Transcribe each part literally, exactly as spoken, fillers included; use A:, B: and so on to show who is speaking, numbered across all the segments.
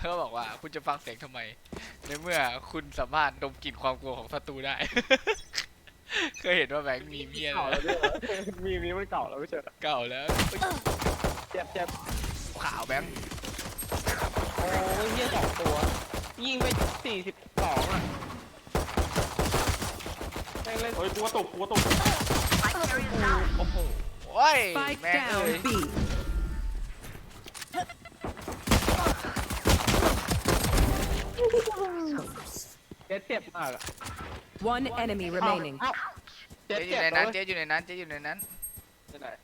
A: เขาบอกว่าคุณจะฟังเสียงทำไมในเมื่อคุณสามารถดมกลิ่นความกลัวของศัตรูได้ เคยเห็นว่าแบงค์มีเมีย
B: เก่า
A: แล้
B: แล้ว วด้วยมีมีมันเก่าแล้วไม่ใช่เหรอ
A: เก่าแล้ว
B: เจ็บเจ็บ
A: ขาวแบงค์
B: โอ้ยเฮียสองตัวยิงไปสี่สิบสองอ่ะแม่งเล่น
C: เฮ้ยกูว่าตกกูว่าตก
A: โอ้โหโอ้ย
D: Spike
A: แม่งเอ้ย
D: down B.
B: เจ็บเจ็บมากอ่ะ
D: One enemy remaining.
B: เอ้าเจ็
A: เจ๊
B: บ
A: อยู่
B: เจ็บ
A: ในนั้น
B: เจ็
A: เจ๊อยู่ในนั้นเจ๊อยู่ในนั้น
B: บไหน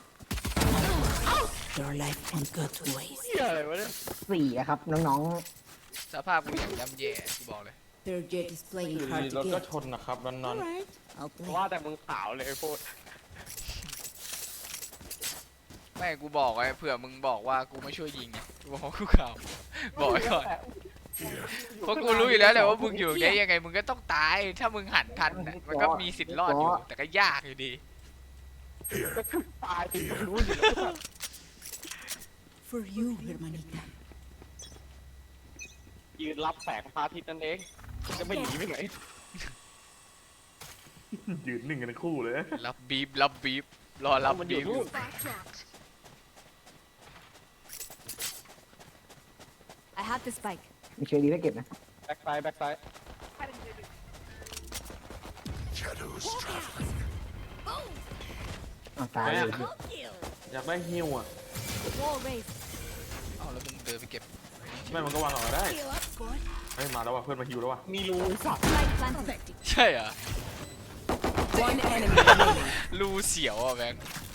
E: Your life won't go to waste.
B: เฮียอะไรวะเนี่ย
F: สี่อะครับน้อง
A: สภาพกูอย่างย่ำแย่กูบอกเลย
E: Their jet is
C: อ
E: playing
C: ยู่
E: hard
C: ดี
E: to
C: รถก็
E: get.
C: ชนนะครับนั่นนั่น
E: Alright, I'll play.
B: ว่าแต่มึงขาวเลยไอ้โคตร
A: ไม่กูบอกไว้เผื่อมึงบอกว่ากูไม่ช่วยยิงไงกูบอกว่ากูขาวบอกไว้ก่อนเพราะกูรู้อยู่แล้วแหละว่ามึงอยู่ได้ยังไงมึงก็ต้องตายถ้ามึงหันทันน่ะมันก็มีสิทธิ์รอดอยู่แต่ก็ยากอยู่ดี
B: ก็คือตายจริงรู้อยู่แล้ว
E: For you, hermanita.
B: ยืนรับแสงพระอาทิตย์นั่นเองจะไม่หนีไปไหน
C: ยืนหนึ่งกันทั้งคู่เลย
A: รับบีบรับบีบรอรับ
B: มันอ
A: บี
B: ยู่
A: บ
B: นู่น
G: I have the spike.
F: ๆมีเชอร์ดีได้เก็บนะ
B: แบ็คไซด์แบ็คไซด์
F: อ้าวตายเลย
C: อยากได้ฮิวอ่ะ
G: Wall raised.
A: เอาแล้วมึงเดินไปเก็บ
C: ไม่มันก็วางเอาไว้ได้
G: Heal up, squad.
C: เฮ้ยมาแล้วว่ะเพื่อนมาฮิวแล้วว่ะ
B: มีรูสัตว์
G: Light planted.
A: ใช่เหรอ
D: One enemy remaining.
A: รูเสียวอ่ะแบงค์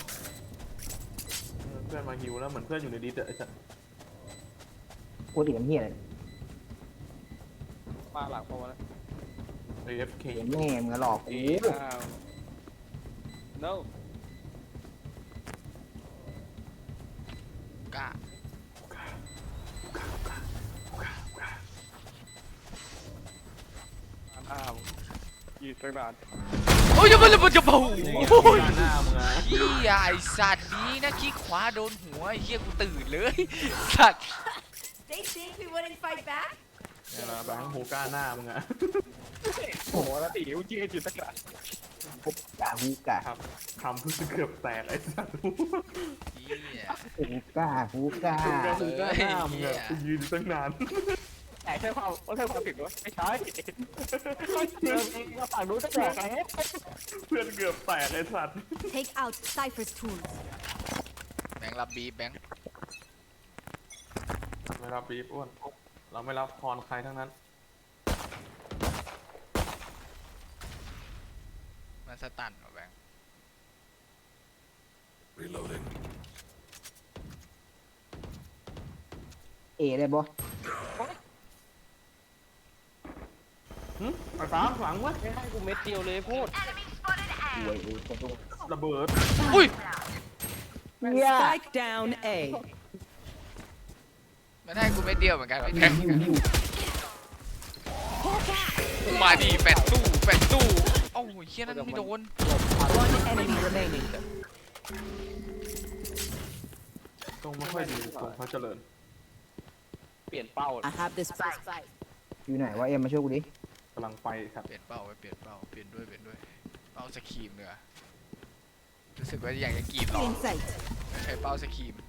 C: เพื่อนมาฮิวแล้วเหมือนเพื่อนอยู่ในดิสอะไอ้สัส
F: ปกติมันเหี้ยอะไร
B: มาหลังพอมาแล้ว
C: เอฟเค
F: เห็นแม่มึงอะหลอกกู
B: อ้าว no
A: กล้า
B: อ้าวยืนตั้งนาน
A: โอ้ยจะมาเลยมันจะเบา
C: โอ้
A: โอ้ย
C: ยหน้ามึงอะ
A: เฮียไอสัตว์นี้นะขี้ขวาโดนหัวไอ้เฮียกูตื่นเลยสัตว์
G: They think we wouldn't fight back?
C: เนี่ยนะแบงค์ฮูก้าหน้ามึงอะ
B: โอ้โหแล้วตีกูยืนอยู่ตั้งนาน
F: กาฮูกา
C: ครับทำเพื่อเกือบแตกไอ้สัส
A: เฮีย
F: ฮูกาฮูกา
C: ฮูก้าฮูก้าหน้ามึงอะกูยืนอยู่ตั้งนาน
B: แต่ใช่ความว่าใช่ความผิดวะไม่ใช่เดินมาฝั่งนู้นตั้งแต่ไหน
C: เพื่อนเกือบแตกไอ้สัส
G: Take out Cypher's tools.
A: แบงค์รับบีบแบงค์
C: ไม่รับบีบอ้วนเราไม่รับพรใครทั้งนั้น
A: มันสตันว่ะแบงค์
F: เอได้บ่
C: หึไอ้ฟ้าฝังวะ
B: ไม่ให้กูเม็ดเดียวเลยพูด
F: หวยเอตรง
C: ระเบิด
A: อุ้ย
F: เหี้ย
D: Spike down A.
A: มันให้กูเม็ดเดียวเหมือนกันว่ะแบงค์มาดีแปดตู้แปดตู้โอ้ยเฮียนั่นไม่โดน
D: One enemy remaining.
C: ตรงไม่ค่อยดีตรงพระเจริญ
B: เปลี่ยนเป้า
E: I have this spike.
F: อยู่ไหนวะเอ็มมาช่วยกูดิ
C: กำลังไปครับ
A: เปลี่ยนเป้าไปเปลี่ยนเป้าเปลี่ยนด้วยเปลี่ยนด้วยเป้าสครีมเนื้อรู้สึกว่าอยากจะกรีดหรอ
E: In sight.
A: ใช้เป้าสครีม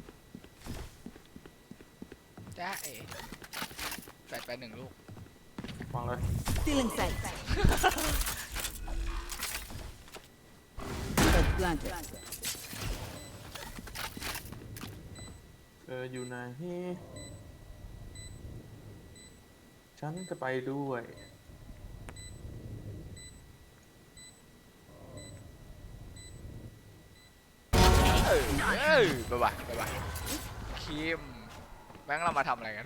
A: จ้าเอ๋แปดไปหนึ่งลูก
C: ฟังเลย
E: Still in sight. Spike planted.
C: เอออยู่ไหนฉันจะไปด้วย
A: เอ้ยเอ้ยบ๊ายบายบ๊ายบายคิมแบงค์เรามาทำอะไรกัน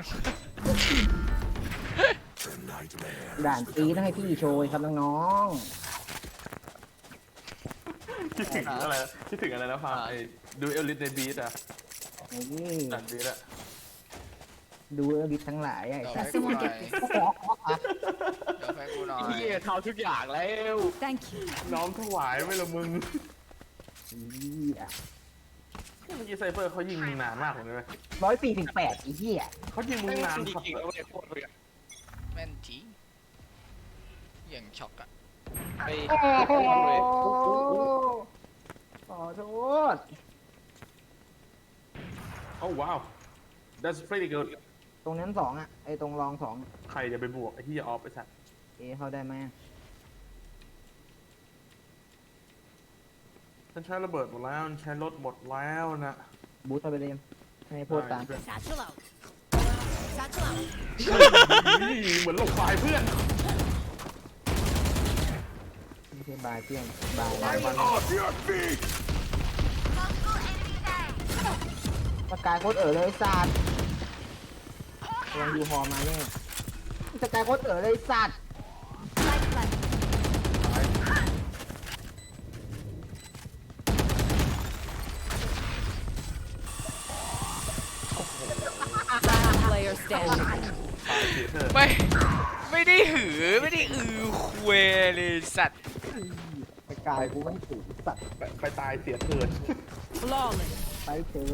F: ด่านตีต้องให้พี่โชยครับน้อง
C: คิดถึงอะไรคิดถึงอะไรนะฟังไอ้ดูเอลิทในบีทอะ
F: ๆนี่
C: ดันบีทอะ
F: ดูเอลิททั้งหลายไอ้
A: เดี๋ยว
F: สั
A: ให้
F: ส
A: กูหน่อยเดี๋ยวให้กูหน่อย
B: เฮียทำทุกอย่างแล้ว
G: Thank you.
C: น้อมถวายไว้ละมึง
F: เหี้ย
C: เมื่อกี้ไซเฟอร์เขายิงมึงนานมากเลยเว้ย
F: ร้อยสี่สิบแปดไอ้เหี้ย
C: เขายิงมึงนาน
B: จ
C: ครับ
B: ริงๆแล้วไม่โคตรเลย
A: แม่นจริงอย่างช็อกอะ
B: ไป
F: โอ้โห
B: เลย
F: ขอโทษ
C: โอ้ว้าว that's pretty good
F: ตรงนั้นสองอ่ะไอ้ตรงรองสอง
C: ใครจะไปบวกไอ้ที่ออฟไอ้สัตว์
F: เอะเข้าได้ไหม
C: ฉันใช้ระเบิดหมดแล้วฉันใช้รถหมดแล้วนะ
F: บูทเข้าไปเลยให้พูดตาม
G: Satchel out. Satchel out.
C: นี่เหมือนหลบไฟเพื่อน
F: ไม่ใช่บายเพื่อนบาย
C: ไปมัน
F: สกายโคตรเอ๋อเลยไอ้สัตว์ลองดูฮอมาเนี่ยสกายโคตรเอ๋อเลยไอ้สัตว์
G: Light planted.
D: Last player standing.
C: ตายเสียเถอะ
A: ไม่ไม่ได้หือไม่ได้อือคุยเลยสัตว์
F: สกายกูไม่ถูกสัตว์
C: ไปไปตายเสียเถิด
D: Flawless.
F: ไปเจอ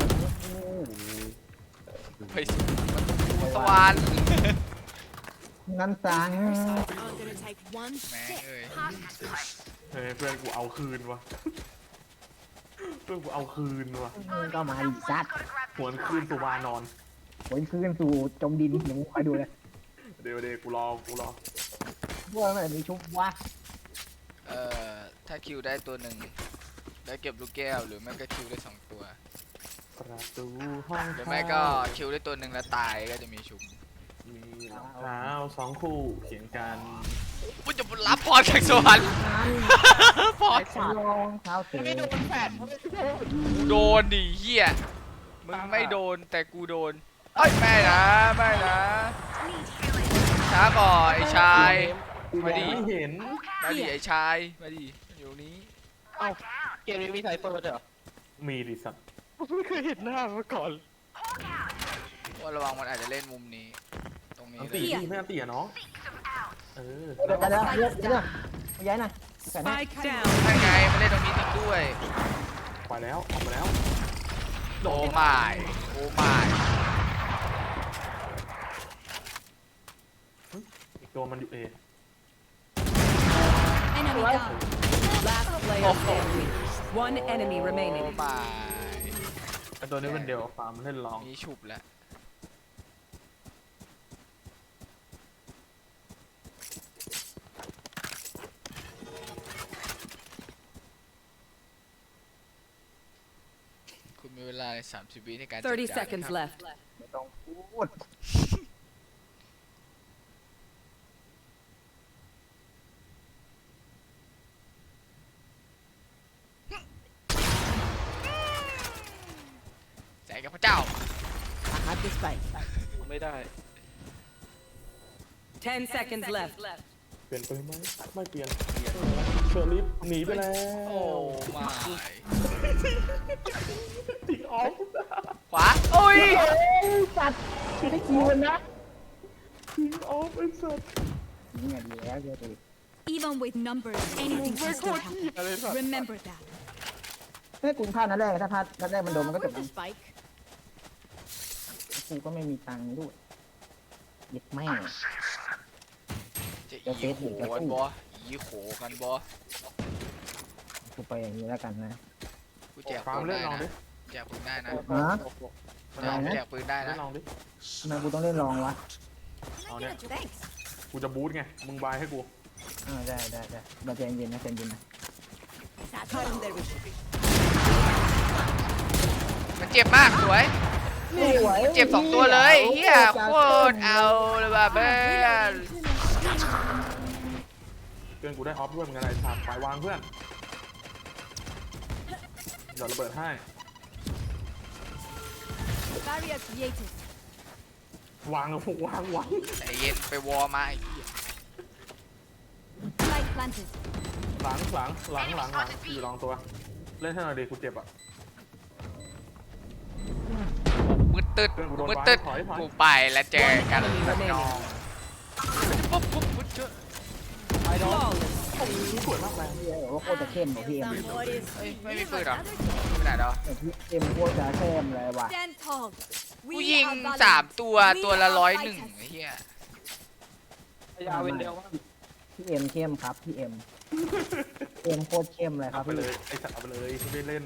A: ไปสวรรค์
F: นั่นสัง
G: I'm gonna take one
A: แม่ง
G: sip.
A: เอ้ย
G: Hot.
C: เฮ้ยเพื่อนกูเอาคืนวะเพื่อนกูเอาคืนวะ
F: ก็มาดิสัตว์
C: หวนคืนสุวานอน
F: ผลคืนสู่จมดินเดี๋ยวมึงคอยดูเลย
C: เดี๋ยวเดี๋ยวกูรอกูรอ
F: พวกมันมีชุบวะ
A: เอ่อถ้าคิวได้ตัวหนึ่งได้เก็บลูกแก้วหรือไม่ก็คิวได้สองตัว
C: ประตูห้อง
A: หรือไม่ก็คิวได้ตัวหนึ่งแล้วตายก็จะมีชุบ
C: มีรองเท้าสองคู่เขียนกัน
A: กูจะรับพรจากสวรรค์พร
F: รองเท้าเตะ
B: ไม่โดนแฟด
A: กูโดนดิเฮียมึงไม่โดนแต่กูโดนเอ้ยไม่นะไม่นะช้าก่อนไอ้ชาย มาดิ
C: ไม่เห็น
A: มาดิไอ้ชายมาดิอยู่นี้
B: เอ้าเกมนี้มีไซเฟอร์เหรอ
C: มีดิสัตว์
B: ไม่เคยเห็นหน้ามาก่อน
A: ว่าระวังมันอาจจะเล่นมุมนี้ ตรงนี้
C: อัน
A: เล
C: ตี
A: ย
C: ดิไม่อันตีอะน้องเออ
F: เดี๋ยวเดี๋ยวเดี๋ยวเดี๋ยวย้ายหน่อยแสน
D: Spike down.
A: ใช่ไงมันเล่นตรงนี้จริงด้วย
C: ไปแล้วออกมาแล้ว
A: โอ้ไม่โอ้ไม่
C: อีกตัวมันอยู่เอ
G: Enemy down.
D: Last player standing. One enemy
A: โอ้
D: remaining.
A: ไม่
C: ไอตัวนี้เป็นเดียวฟาร์มเล่นลอง
A: มีฉุบแล้วคุณมีเวลาในสามสิบวิในการจัด
D: Thirty
A: การ
D: seconds
A: นะครับ
D: left.
F: ไม่ต้องพูด
A: แสงกับพระเจ้า
E: I have the spike.
B: ไม่ได้
D: Ten seconds left.
C: เปลี่ยนไปไหมไม่เปลี่ยนเชอร์ลิฟหนีไปแล้ว
A: โอ้ไม่
C: ติดออฟ
A: ขวาโอ้ย
F: สัตว์ไม่คิวนะ
C: ติดออฟไอ้สัส
F: เนี่ยดีแล้วเดี๋ยวดิ
G: Even with numbers, anything
B: ไม่
G: can
B: โค
G: still
B: ตรเหี้ย
G: happen.
B: เลยสัส
G: Remember that.
F: เฮ้ยกูพลาดนัดแรกถ้าพลาดนัดแรกมันโดนมันก็จบ
E: Where's the spike?
F: กูก็ไม่มีตังค์ด้วยเย็ดแม่
A: จะอีโขกันบออีโขกันบอ
F: กูไปอย่างนี้แล้วกันนะ
A: กูแจก
C: ฟาร์ม
A: ปืน
C: เล่
A: ได้
C: นลองดิ
A: นะแจกปืนได้นะ
F: ฮะ
A: แจกปืนได้
C: เล่
A: นะ
C: นลองดิ
F: ทำไมกูต้องเล่นรองวะ
C: เอาเนี่ย
G: Thanks.
C: กูจะบูทไงมึงบายให้กู
F: อ่าได้ได้ได้มาใจเย็นนะใจเย็นนะ
G: Satchel out.
A: มันเจ็บมากสวย เจ็บสองตัวเลยเฮียโคตรเอาเลยว่ะเพื่อน
C: เพื่อนกูได้ออฟด้วยเหมือนกันไอ้สัตว์ไปวางเพื่อนเดี๋ยวระเบิดให้
G: Barrier created.
C: วางกับพวกวางวาง
A: ใจเย็นไปวอร์มาไอ้เหี้ย
G: Light planted.
C: หลังหลังหลังหลังหลังอยู่ลองตัว เล่นให้หน่อยดิกูเจ็บอ่ะ
A: มืดตึดมืดตึดกูไปแล้วเจอกันน้องปุ๊บปุ๊บปุ๊บเจอ
D: Flawless.
C: สวยมากเลย
F: เฮียบอกว่าโคตรจะเข้มของพี่เอ็ม
G: Somebody is
A: เฮ้ยไม่มี
G: give
A: ปืน
G: us
A: เหรอ
G: other
A: ไปไหนแล้ว
F: แต่พี่เอ็มโคตรจะเข้มเลยว่ะ
G: Stand tall.
A: กู
G: We
A: ยิง
G: are
A: สาม
G: valiant.
A: ตัวตัวละร้อยหนึ่งไอ้เหี้ย
B: พยาเวนเดียวว่า
F: พี่เอ็มเข้มครับพี่เอ็มเอ็มโคตรเข้มเลยค
C: เอา
F: รับ
C: ไป
F: พี่
C: เลยไอ้สัตว์เอาไปเลยไม่เล่น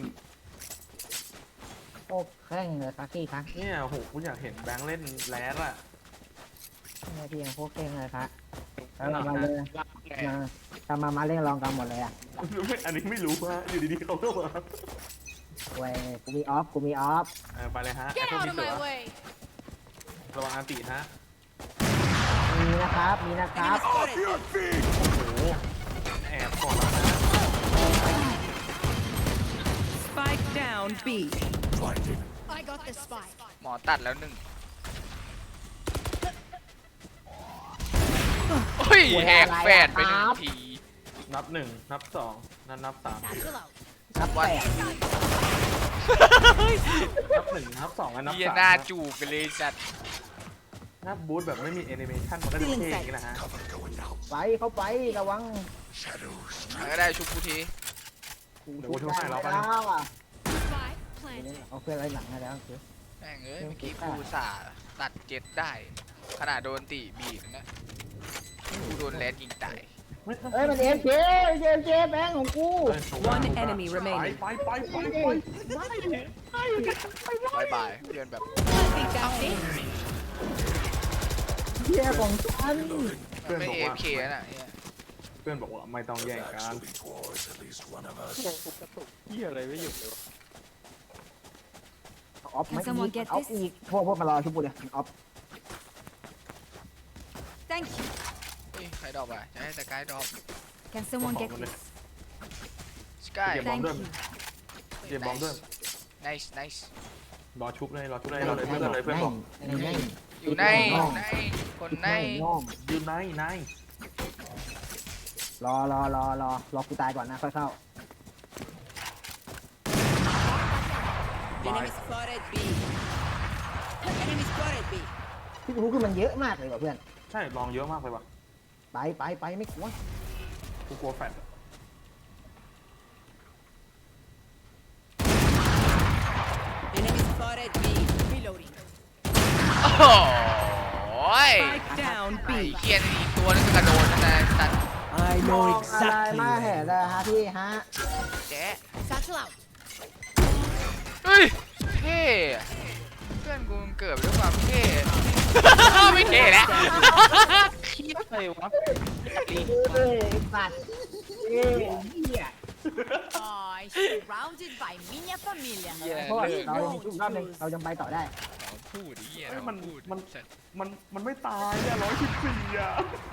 F: โคตรแข้งเลยครับพี่ครับ
C: เนี่ยโหกูอยากเห็นแบงค์เล่นแรดอะ
F: เนี่ยพี่เอ็มโคตรเข้มเลยครับแล้วมาเลย
B: ลากแก
F: มาทำมามาเล่นลองกันหมดเลยอ่ะ
C: ไม่อันนี้ไม่รู้ฮะอยู่ดีๆเขาก็มา
F: เว้ยกูมีออฟกูมีออฟ
C: เออไปเลยฮะ
G: Get
C: ไอ้พวก
G: out
C: มี
G: of
C: เสือ
G: my way.
C: ระวังอันติฮะ
F: มีนะครับมีนะครับ
C: โอ้โหแอบก่อนแล้วนะ
D: Spike down B.
G: I got the spike.
A: หมอตัดแล้วหนึ่งโอ้ยแหกแฝดไปหนึ่งที
C: นับหนึ่งนับสองนับนับสาม
G: Satchel out.
F: นับแปด
C: นับหนึ่งนับสองและนับ
A: เหี้ย
C: สาม
A: หน้าจูบไปเลยจัด
C: นับบูธแบบไม่มีแอนิเมชันมันก็จะเท่อย่างนี้นะฮะ
F: ไปเข้าไประวัง
A: มันก็ได้ชุบกูที
C: เดี๋ยวกูช่วยให้เราไป
F: แล้วอ่ะ
G: Spike planted.
F: เอาเพื่อนอะไรหลังให้แล้วคือ
A: แม่งเอ้ยเมื่อกี้กูอุตสาห์ตัดเจ็ดได้ ขนาดโดนตีบีบนะกูโดนแรดยิงตาย
F: เฮ้ยมันเอ็มเจเอ็มเจแบงค์ของกู
D: One enemy
C: ไป
D: remaining.
C: ไปไปไปไป
A: บายบายเพื่อนแบบ
G: I think that's it.
F: เฮียของฉัน
C: เพื่อน
A: ไม่
C: บอก
A: เอ
C: ว่า
A: ฟเคน่ะเหี้ย
C: เพื่อนบอกว่าไม่ต้องแย่งกัน
B: กระตุกเหี้ยอะไรไม่หยุดเลยวะ
F: ออฟไม่
G: Can someone get
F: ออฟ
G: this?
F: อีกพวกพวกมารอชุบกูเลยออฟ
G: Thank you.
A: เฮ้ยใครดรอปอ่ะจะให้แต่กายดรอป
G: Can someone get
C: Come on,
G: this?
A: สกาย
C: เก็บบอม
G: Thank
C: ด้วย
G: you.
C: เก็บบอมด้วย
A: nice nice
C: รอชุบเลยรอชุบเลยรอเลยเพื่อนเลยเพื่อนบอก
F: ในใน
A: อยู่ในในคนใน
F: น้อง
C: อยู่ในใน
F: รอรอรอรอรอกูตายก่อนนะค่อยเข้า
E: Enemy spotted B. Enemy spotted B.
F: พี่รู้คือมันเยอะมากเลยว่ะเพื่อน
C: ใช่ลองเยอะมากเลยว่ะ
F: ไปไปไปไม่กลัว
C: กูกลัวแฟด
E: Enemy spotted B. Reloading.
A: โอ้ย
D: Spike down
A: ไอ้
D: B.
A: เคียนอีกตัวนึงกระโดดนั่นนะตัด
D: I
F: มองอะไรมาเห็นเลยฮะพี่ฮะ
A: แจ๊ะ
G: Satchel out.
A: เฮ้ยเท่อะเพื่อนกูมันเกิดด้วยความเท่ ไม่เท่แล้ว
B: คิดอะไรวะ
F: เอ้ยสัตว์เอ้ยเหี้ย
G: Oh, surrounded by minha família.
A: เหี้ย
F: เพราะว่า
A: เลิก
F: เรายังอีกรอบหนึงเรายังไปต่อได้
A: พูดไอ้เหี้ย
C: เอ้ยมัน
A: พูด
C: มันมันมันไม่ตายอ่ะร้อยสิบสี่อ่ะ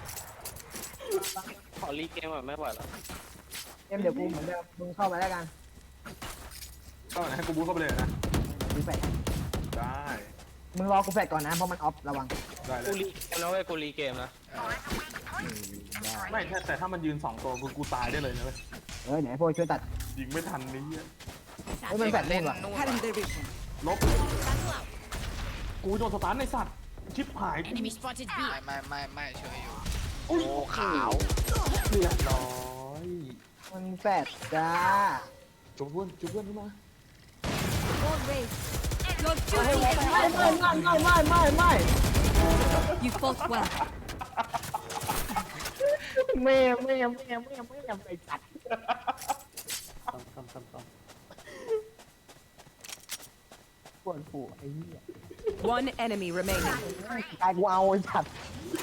B: ขอรีเกมอ่ะไม่ไหวแล้ว
F: เอ็มเดี๋ยวกูเหมือนเดิมมึงเข้าไปแล้วกัน
C: ก็ให้กูบูทเข้าไปเลยนะ
F: กูแฟด
C: ได้
F: มึงรอกูแฟดก่อนนะเพราะมันออฟระวัง
C: ได้เล
B: กู
C: ย
B: รีเกมแล้วเว้ยกูรีเกมนะ
A: เออ
C: ไม่แต่แต่ถ้ามันยืนสองตัวกูกูตายได้เลยนะเว้ย
F: เออเดี๋ยวไอ้พวกช่วยตัด
C: ยิงไม่ทันนี้อ่ะ
F: เฮ้ยมันแฟด
A: เล่
F: เล่
A: น
F: นว่ะ
A: นู่น
E: Cutting
A: ว่ะ
E: their vision.
C: ลบ
G: Satchel out.
C: กูโดนสตาร์ทในสัตว์ชิปหาย
G: Enemy spotted B.
A: ไม่ไม่ไม่ไม่ช่วยอยู่
C: โอ้
A: โอ้ขาว
C: เรียบร้อย
F: มันแฟดจ้า
C: จุบเพื่อนจุบเพื่อนขึ้นมา
G: All raised. Your
F: ไม่
G: duty
F: ไม่
G: is
F: ไม่ไม่ไม่ไม่ไม่ไม่
G: You fought well.
F: แม่แม่แม่แม่แม่ไอ้สัตว์
C: ทำทำทำทำ
F: ปวดหัวไอ้เหี้ย
D: One enemy remaining.
F: สกายกูเอาไอ้สัตว์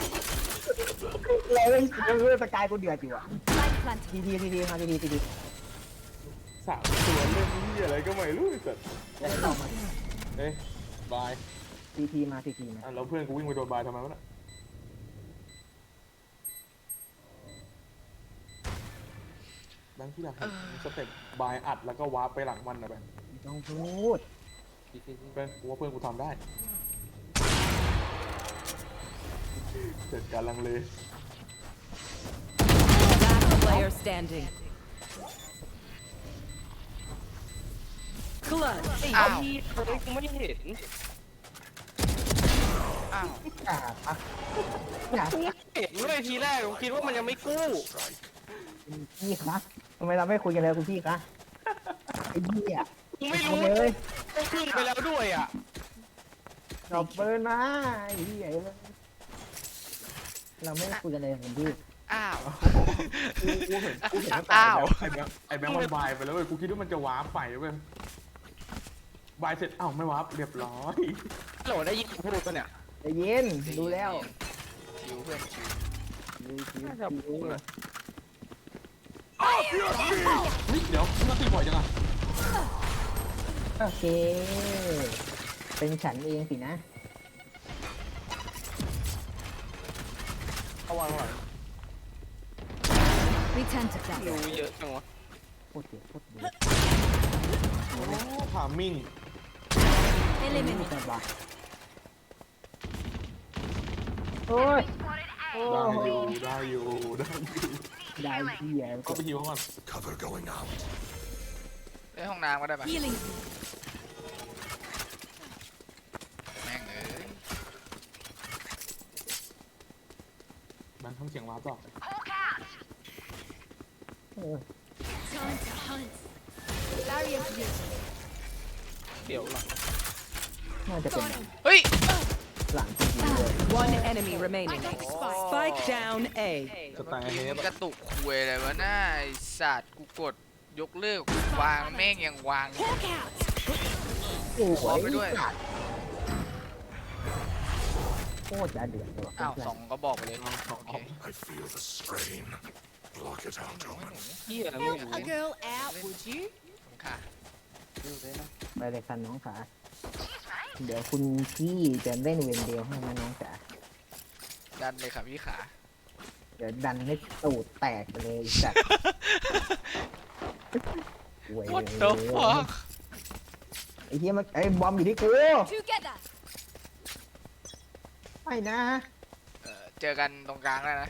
F: เลยเรื่องสกายกูเดือดอยู่อ่ะ
G: Spike planted.
F: ทีทีทีทีมาทีทีทีที
C: สามตัวเล่นนี่อะไรก็ไม่รู้ไอ้สัตว์
F: จะได้ต่อมา
C: เอ้ยบาย
F: ทีทีมาทีทีมา
C: อ่ะแล้วเพื่อนกูวิ่งไปโดนบายทำไมวะน่ะแบงค์ที่อยากเห็นสเต็ปบายอัดแล้วก็วาร์ปไปหลังมันนะแบงค์
F: ไม่ต้องพูด
C: เพื่อนกูว่าเพื่อนกูทำได้เสร็จการลังเล
D: Last player standing. Clutch.
A: อ้าว
B: พี่เฮ้ยกูไม่เห็น
A: อ้าว
F: อย่าพักอย่า
B: กูไม่เห็นเว้ยทีแรกกูคิดว่ามันยังไม่กู้
F: พี่คะทำไมเราไม่คุยกันเลยคุณพี่คะไอ้เหี้ย
B: กูไม่รู้
F: เลย
B: กูขึ้นไปแล้วด้วยอ่ะ
F: ดรอปเบอร์นะไอ้เหี้ยเราไม่คุยกันเลยคุณพี่
A: อ้าว
C: กูกูเห็นกูเห็นตั้งแต่
A: อ้าว
C: ไอ้แบงค์ไอ้แบงค์มันวายไปแล้วเว้ยกูคิดว่ามันจะวาร์ปไปเว้ย บายเสร็จอ้าวไม่วับเรียบร้อย
B: โหลได้ยินพูดปะเนี่ย
F: ใจเย็นดูแล้ว
A: ชิวเพื่อนชิว
F: ดูชิว
B: น่าจะพูด
F: ๆ
B: นะ
C: เฮ้ยเดี๋ยวมึงตีบ่อยจังอะ
F: โอเค เป็นฉันเองสินะ
B: เอาวางหน่อย
G: Return to class.
B: รู้เยอะจังวะ
F: โคตรเจ็บโคตรเจ็บ
C: โอ้พามิ่ง
F: ไม่
G: Eliminate.
F: จับวะโอ้ยโอ้
C: ได้
F: โห
C: อยู่ได้อยู่ได้อยู่
F: ได้เหี้ย
C: ก็ไปฮิวเขาก่อน
A: เอ้ยห้องน้ำก็ได้ปะ
G: Healing.
A: แม่งเอ้ย
C: แบงค์ทำเสียงวาร์ปต่อ
F: เออ
G: Time to hunt. Barrier here.
B: เดี๋ยวหลัง
F: น่าจะเป็น
A: เฮ้ย
F: หลังจริงๆเลย
D: One enemy remaining. Spike down A.
C: สไตล์เฮฟ
A: กระตุกคุยอะไรวะน่าไอสัตว์กูกดยกเลิกวางแม่งยังวาง
G: Hawk out.
F: โอ้
A: ขอไปด้วย
F: โคตรจะเดือดเลยว่ะ
A: อ้าวสองก็บอกไปเลย
C: สอง
A: โอเค
H: I feel the strain. Block it out, Omen.
B: เหี้ยไม่
G: Help
B: รู้
G: a girl out, would you?
A: ค่ะ
B: ดูเลยนะ
F: ไปเลยคันน้องขาเดี๋ยวคุณพี่จะเล่นเวนเดียวให้นะน้องจ๋า
A: ดันเลยค่ะพี่ขา
F: เดี๋ยวดันให้ตูดแตกไปเลยจัด
A: What the fuck
F: ไอ้เหี้ยมันไอ้บอมอยู่ที่กู
G: Together.
F: ไม่นะ
A: เออเจอกันตรงกลางแล้วนะ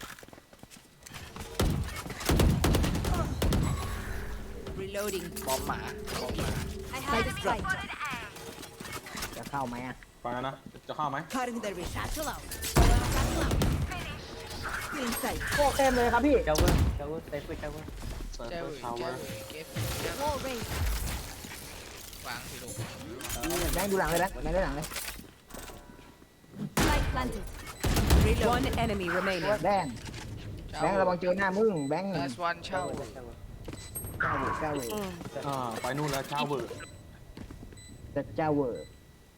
E: Reloading.
A: บอมหมาบอมหมา
G: I have the spike.
F: จะเข้าไหมอ่ะ
C: ไปแล้วนะ จะเข้าไหม
E: Cutting their vision.
G: Satchel out. Satchel out.
E: Inside.
F: โคตรเต็มเลยครับพี่
B: เจ้าเว้ยเจ้าเว้ยเซฟเว้ยเจ้าเว้ย
C: เปิด
A: เจ้า
C: เปิด
A: เอ๋ย
C: เช้า
A: เจ้า
C: ไว้
A: เอ๋ยเก็บเก็บ
G: Wall raised.
A: วางสิลูก
F: แบงค์ดูหลังเลยนะแบงค์ดูหลังเลย
G: Spike planted.
D: One enemy remaining.
F: แบงค์แบงค์ระวังเจอหน้ามึงแบงค์
A: ลาสวันเช่า
F: เจ้าเวอร์เจ้าเวอร์
C: อ่าไปนู่นแล้วเช้าเบิร์ด
F: จะเจ้าเวอร์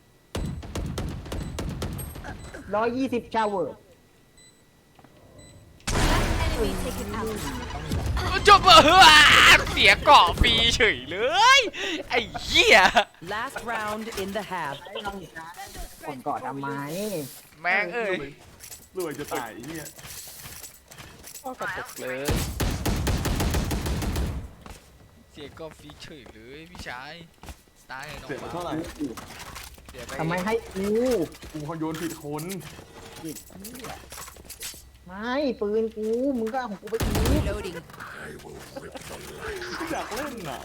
F: ร้อยยี่สิบเจ้าเวอร์
G: Last enemy taken out.
A: จบเออเสียเกาะฟรีเฉยเลย ไอ้เหี้ย
D: Last round in the half.
F: ก่อนก่อนทำไม
A: แม่งเอ้ย
C: รวยจะตายไอ้เหี้ย
B: ก็กระตุกเลย
A: เสียเกาะฟรีเฉยเลยพี่ชายตายเลยน้อง
C: เสียไปเท่าไหร่
A: เสียไป
F: ทำไมให้กู
C: กูเขาโยนผิดคน
F: ผิดเนี่ยไม่ปืนกูมึงก็เอาของกูไปอีก
E: Reloading.
H: I will rip the life.
C: อยากเล่นน่ะ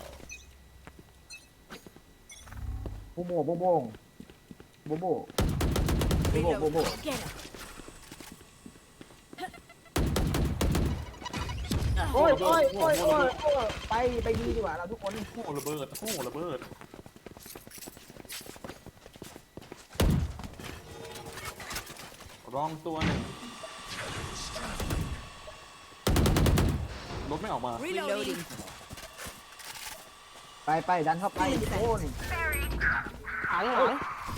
F: โบโบโบโบงโบโบโบโบโบโบ
G: Get him.
F: โอ้ยโอ้ยโอ้ยโอ้ยโอ้ยไปไปดีดีกว่าเราทุกคน
C: โอ้ระเบิดโอ้ระเบิดรองตัวหนึ่งรถไม่ออกมา
E: Reloading.
F: ไปไปดันเข้าไปโอ้ย
B: หลังหลัง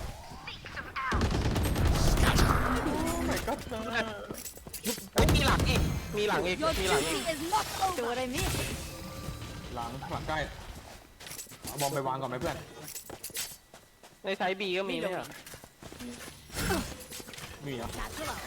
C: ไม่ก็เจอ
B: เฮ้ยมีหลังอีก มีหลังอีก
G: Your
B: มีหลังอี
G: duty
B: ก
G: is not over. What I mean?
C: หลังหลังใกล้เอาบอมไปวางก่อนไหมเพื่อน
B: ในไซส์บีก็มีไหมอ่ะ
C: มีอ่ะ
G: Satchel out.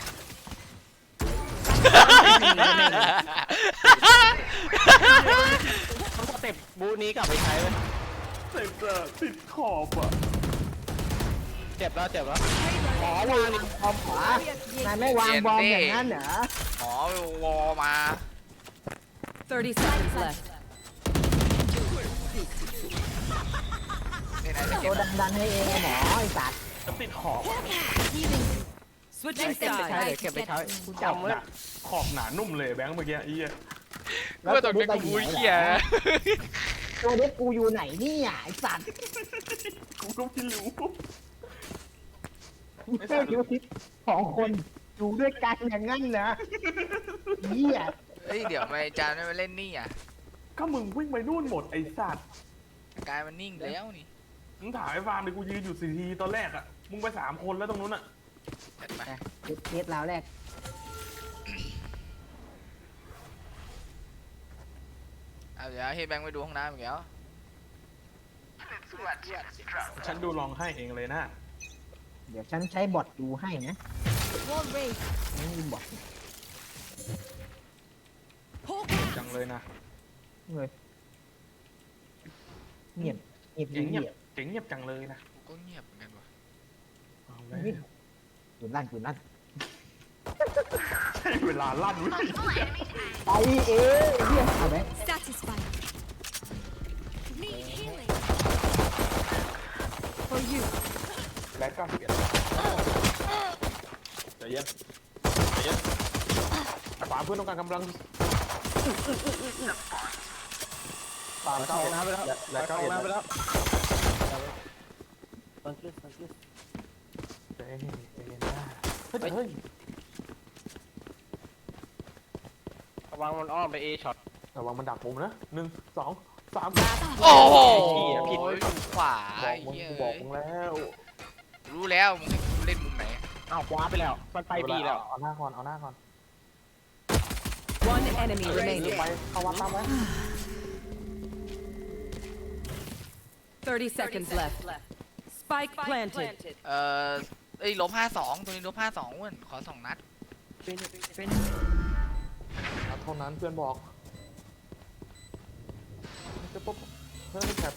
B: ต้องสเต็ปบูนี้กลับไปใช้ไหม
C: เสร็จอะติดขอบอ่ะ
B: เจ็บแล้วเจ็บแล้ว
F: หมอวางบอมขวานายไม่วางบอมอย่างนั้นเหรอ
A: หมอวอมา
D: thirty seconds left.
A: เนี่ยนายจะเก็
F: ตั
A: บ
F: วดันดันให้เองไอ้หมอไอ้สัตว์
C: จะติดขอบ
G: Healing.
D: Switching
B: เก็บไปใช้
D: sides.
B: เดี๋ยวเก็บไปใช้
C: จำไว้ขอบหนานุ่มเลยแบงค์เมื่อกี้ไอ้เหี้ย
A: กูว่าตรงนี้กูบูเหี้ยนะ
F: ตัวเด็กกูอยู่ไหนเนี่ยไอ้สัตว์
C: กูก็ไม่รู้
F: ไม่ใช่คิวทิปสองคนอยู่ด้วยกันอย่างงั้นนะเหี้ย
A: เฮ้ยเดี๋ยวไม่จานไม่มาเล่นนี่อ่ะ
C: ก็มึงวิ่งไปนู่นหมดไอ้สัตว์
A: กายมันนิ่งแล้วนี่
C: มึงถ่ายไอ้ฟาร์มเลยกูยืนอยู่สี่ทีตอนแรกอะมึงไปสามคนแล้วตรงนู้นอะ
A: จัดไป
F: เคสราวแรก
A: เอาเดี๋ยวให้แบงค์ไปดูห้องน้ำอีกแล้ว
C: ฉันดูลองให้เองเลยนะ
F: เดี๋ยวฉันใช้บอทดูให้นะ
G: Wall raised.
F: นี่บอท
G: Hawk
C: จังเลยนะ
F: เลยเงียบเงียบ
C: เจ๋งเงียบ
F: เงียบ
C: เจ๋งเงียบจังเลยนะ
A: กูก็เงียบเหมือนกันว่ะ
C: เอาแล้ว
F: ปืนลั่นปืนลั่น
C: ใช่เวลาลั่นวิ่ง
F: ไปเอ๊ะเฮียเอาไหม
G: Satisfied. Need healing. For you.
C: แบทเก้าสิบเอ็ดใจเย็นใจเย็นไอ้ฟาร์มเพื่อนต้องการกำลังฟาร์มเก้าน้ำไปแล้วแบทเก้าน้ำไปแล้วใจเย็นใจเย็นนะเฮ้ยเฮ้ย
B: ระวังมันอ้อมไปเอช็อต
C: ระวังมันดักมุมนะหนึ่งสองสาม
A: โอ้โห
B: ผิด
A: ดูขวา
C: บอ
A: ไอ้
C: กมึง
A: เหี้ย
C: กูบอกมึงแล้ว
A: รู้แล้วมึงให้กูเล่นมุมไหน
B: อ้าวคว้าไปแล้ว มันไปบีแล้ว
C: เอาหน้าก่อนเอาหน้าก่อน
D: One enemy remaining.
C: ไปเข้าวัดตามไว้
D: Thirty seconds left. Spike planted.
A: เอ่อเอ้ยลบห้าสองตัวนี้ลบห้าสองอ้วนขอสองนัด
C: เอาเท่านั้นเพื่อนบอกจะปุ๊บเฮ้ยแคป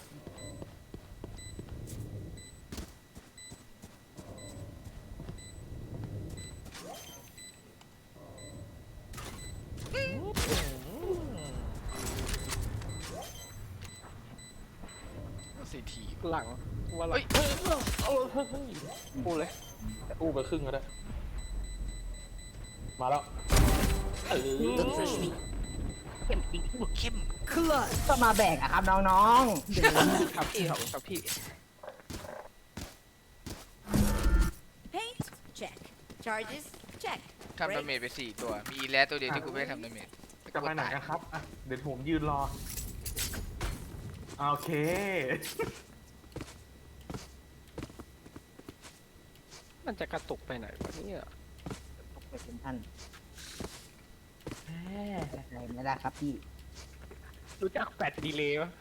A: สี่ที
B: หลังว่าหลั
A: เฮ้
B: ง
A: ย
C: เอาเฮ้ยเฮ้ย
B: พูดเลย
C: อู้ไปครึ่งก็ได้ มาแล้วเออ
A: เข้ม
D: Clutch.
F: ก็มาแบกอะครับน้อง
B: ครับพี่ครับครับพี่
E: Paint? Check. Charges? Check.
A: ทำดาเมจไปสี่ตัว มีอีแลสตัวเดียวที่กูไม่ได้ทำดาเมจ
C: จะไปไหนกันครับอ่ะเดี๋ยวผมยืนรอโอเค
B: มันจะกระตุกไปไหนวะเนี่ย
F: ๆตกไปเป็นท่านอะไรไม่ได้ครับพี่
B: รู้จักแฟดดีเลย์ปะ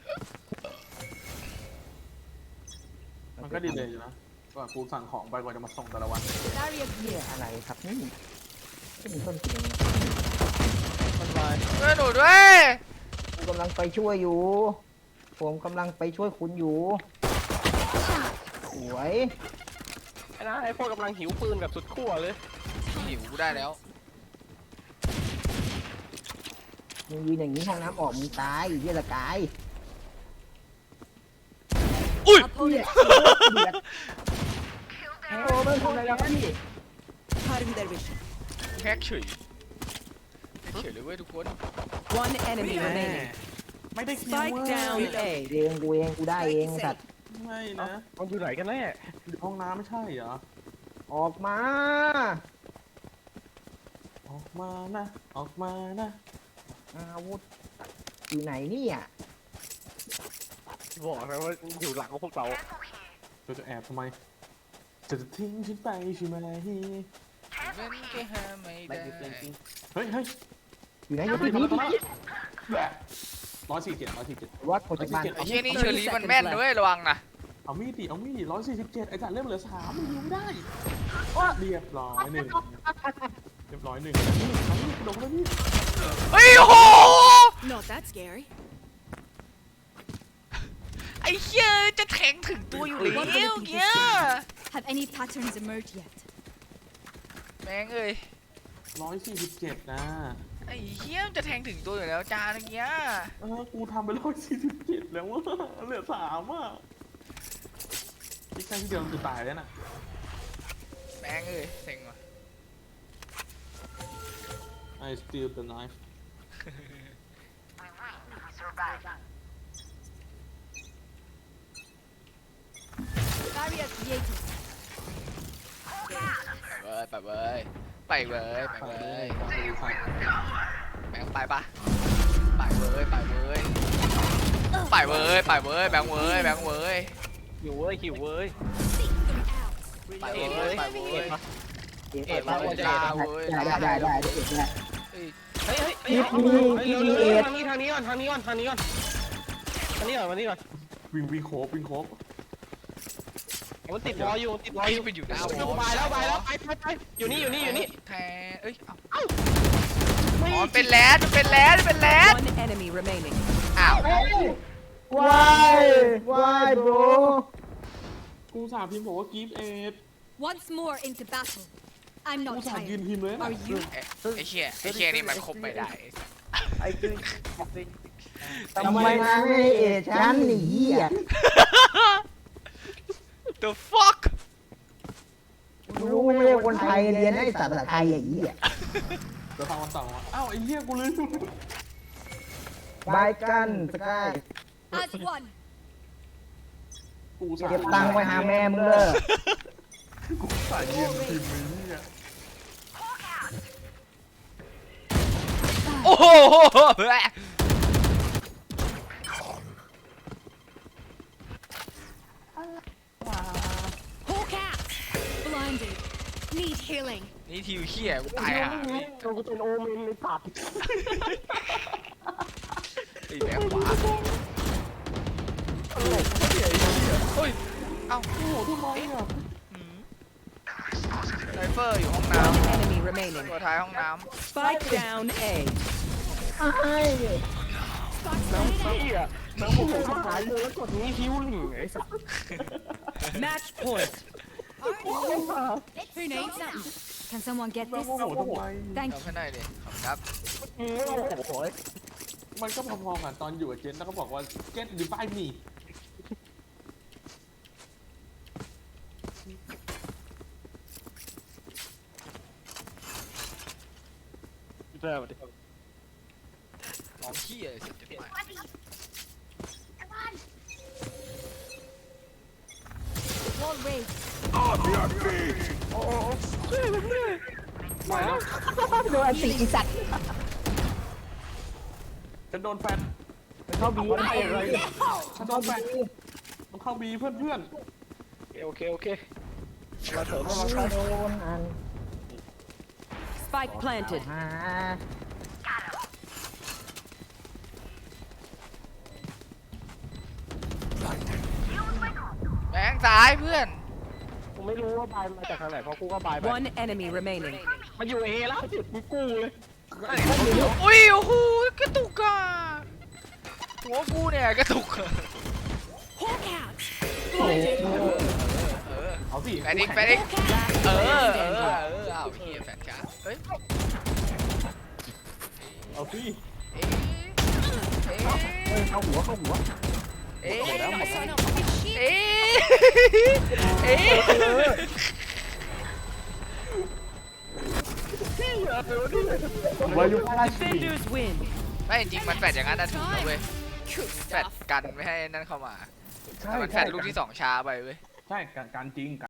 C: มันก็ดีเลยอยู่นะก่อนกูสั่งของไปกว่าจะมาส่งแต่ละวัน
G: Barrier
F: เฮีย
G: here.
F: อะไรครับนี่ก็มีต้นเสียง
B: มันวาย
A: เพื่อนหนูด้วย
F: ผมกำลังไปช่วยอยู่ ผมกำลังไปช่วยคุณอยู่สวย
B: ไอ้นะไอ้พวกกำลังหิวปืนแบบสุดขั้วเลย
A: หิวกูได้แล้ว
F: มึงยืนอย่างนี้ห้องน้ำออกมึงตายเฮียละกาย
G: Opponent
F: เดือดโอ้ไม่ทำอะไรแล้วพี่
E: Cutting their vision.
A: แฮกเฉยแฮกเฉยเลยเว้ยทุกคน
D: One enemy
C: แม่
D: remaining.
C: ไม่ได้คิว
D: Spike
C: เว้ย
D: down A.
F: เองกูเองกูได้เองสัตว์
C: ไม่นะ
B: มันอยู่ไหนกันแน่
C: อยู่ห้องน้ำไม่ใช่เหรอ
F: ออกมา
C: ออกมานะ ออกมานะ
F: อาวุธอยู่ไหนเนี่ย
B: บอกนะว่าอยู่หลังของพวกเรา
C: เราจะแอบทำไม จะทิ้งฉันไปใช่ไหม
A: มันแค่หาไม่ได้
C: เฮ้ยเฮ้ย
F: อยู่ไหนอยู่ที่นี่
C: ร้อยสี่เจ็ดร้อยสี่เจ็ด
F: วัดโคจากบ้าน
A: ไอ้เชี่ยนี่เชอรี่มันแม่นด้วยระวังนะ
C: เอามีดดิ เอามีดดิร้อยสี่สิบเจ็ดไอ้จ่าเริ่มเหลือสามมันยิงไม่ได้เรียบร้อยหนึ่งเรียบร้อยหนึ่งนี่เอามีดลงแล้วนี่
A: เฮ้ยโอ้โห
G: Not that scary.
A: ไอ้เชี่ยจะแทงถึงตัวอยู่แล้วเนี่ย
G: Have any patterns emerged yet?
A: แม่งเอ้ย
C: ร้อยสี่สิบเจ็ดนะ
A: ไอ้เชี่ยจะแทงถึงตัวอยู่แล้วจานเนี้ย
C: เออกูทำไปร้อยสี่สิบเจ็ดแล้วว่าเหลือสามอ่ะที่ใช่ที่เดียวคือตายแล้วน่ะ
A: แม่งเอ้ยเซ็งว่ะ
C: I steal the knife
G: Barrier created.
A: เว้ยไปเว้ยไปเว้ยไป
C: ไป
A: เว้
C: เลย
A: ย
C: ไปเลยไป
A: แบงค์ไปปะไปเว้ยไปเว้ยไปเว้ยไปเว้ยแบงค์เว้ยแบงค์เว้ย
B: หิวเว้ยหิวเว้ย
A: ไปเว้ยไปเว้ย
F: เอ็ด
A: เอ็
F: เอ็
A: ด
F: ด
A: มา
F: มา
A: เว้ย
F: ได้
A: ลาเว้ย
F: ได้ได้ได้เอ็ดได้
B: เฮ้ยเฮ้ย
F: คลิปนี้คลิปนี้
B: เร็ว
F: เอ็ด
B: ๆทางนี้ทางนี้ก่อนทางนี้ก่อนทางนี้ก่อนทางนี้ก่อนทางนี้ก่อน
C: วิ่งวิ่งโคบวิ่งโคบ
B: มันติดวออยู่ติดวอ
A: ไอ้
B: อยู่
A: ไปอยู่หน้าวอ
B: ไปแล้วไปแล้วไปไปไปอยู่นี่อยู่นี่อยู่นี่
A: แทนเอ้ยเอ้าอ๋อเป็นแลนด์เป็นแลนด์เป็นแลนด์
D: One enemy remaining.
A: อ้าว
F: วายวายโบร
C: กูสาพิมพ์บอกว่ากีฟเอ็ด
G: Once more into battle. I'm
C: กู
G: not
C: สายืน
G: tired.
C: พิมพ์เลยนะ
G: Are you?
A: ไอ้เชี่ยไอ้เชี่ยนี่มันคบไม่ได้
F: ทำไมมาให้เอ็ดฉันหนีอ่ะ
A: The fuck
F: รู้ไม่ใช่คนไทยเรียนให้ภาษาไทยอย่างนี้อ่ะ
C: เดี๋ยวฟังวันต่อมาอ้าวไอ้เหี้ยกูลืม
F: บายกันสกาย
G: As one.
C: กูสา
F: เก็บตังค์ไปหาแม่มึงเลย
C: กูสายืนพิมพ์เลยเนี่ย
A: โอ้โห
G: Hawk out. Blinded. Need healing.
A: นี่ทิวเชี่ยกูตายห่าพี่
B: กูเป็นโอเมนในตัด
A: ไอ้แบงค์ขวาเฮ้ยเอ้า
C: โอ้โหทำไมอ่ะ
A: หืมไซเฟอร์อยู่ห้องน้
D: One enemy
A: ำ
D: remaining.
A: ตัวท้ายห้องน้
D: Spike down A.
F: ไอ้
B: น้ำเหี้ยน้ำโมโหมาหายเลยแล้วกดนี้ฮิวหนึ่งไอ้สัส
D: Match point.
G: Who needs something? Can someone get
C: แล้ว
G: this?
C: โอ้โหทำไม
A: ำ
G: Thank
A: เอา
G: you.
A: ให้หน่อยดิขอบคุณครับ
B: อืมโอ้โห
C: มันก็พอๆกันตอนอยู่กับเจนแล้วก็บอกว่า get divide me
B: เริ่มดิ
A: มองขี้อะไรเสร็จจะไป
G: Wall raised.
H: On your feet!
C: ไปแล้ว
F: โดนอันตีอีสัตว์
C: จะโดนแฟน
F: เข้าบี
C: จะโดนแฟนมันเข้าบีเพื่อนเพื่อน
B: โอเคโอเคมาเถอะมา
F: โดนอัน
D: Spike planted.
F: มา
A: แบงค์ซ้ายเพื่อน
B: กูไม่รู้ว่าบายมาจากทางไหนเพราะกูก็บายไป
D: One enemy remaining.
B: มันอยู่เอแล้วจุดกูกู้เลย
A: อุ้ยโอ้โหกระตุกอ่ะหัวกูเนี่ยกระตุกอะ
G: Hawk out.
A: เออ
C: เอาสิ
A: แฟนดิกแฟนดิกเออเออเออเอาเฮียแฟนจ้าเฮ้ย
C: เอาสิ
A: เอ๊ะเอ๊ะ
F: เข้าหัวเข้าหัว
A: เอ๊ะ
G: Enemy got someone on fucking shit.
A: เอ๊ะเอ๊ะ
C: วายุราชี
D: Defenders win.
A: ไม่จริงๆมันแฟดอย่างนั้นนะถูกนะเว้ย
G: Good
A: แฟด
G: stuff.
A: กันไม่ให้นั่นเข้ามา
C: ใช่
A: แต่มันแฟ
C: ใช่
A: ดลูกที่สองช้าไปเว้ย
C: ใช่การการจริง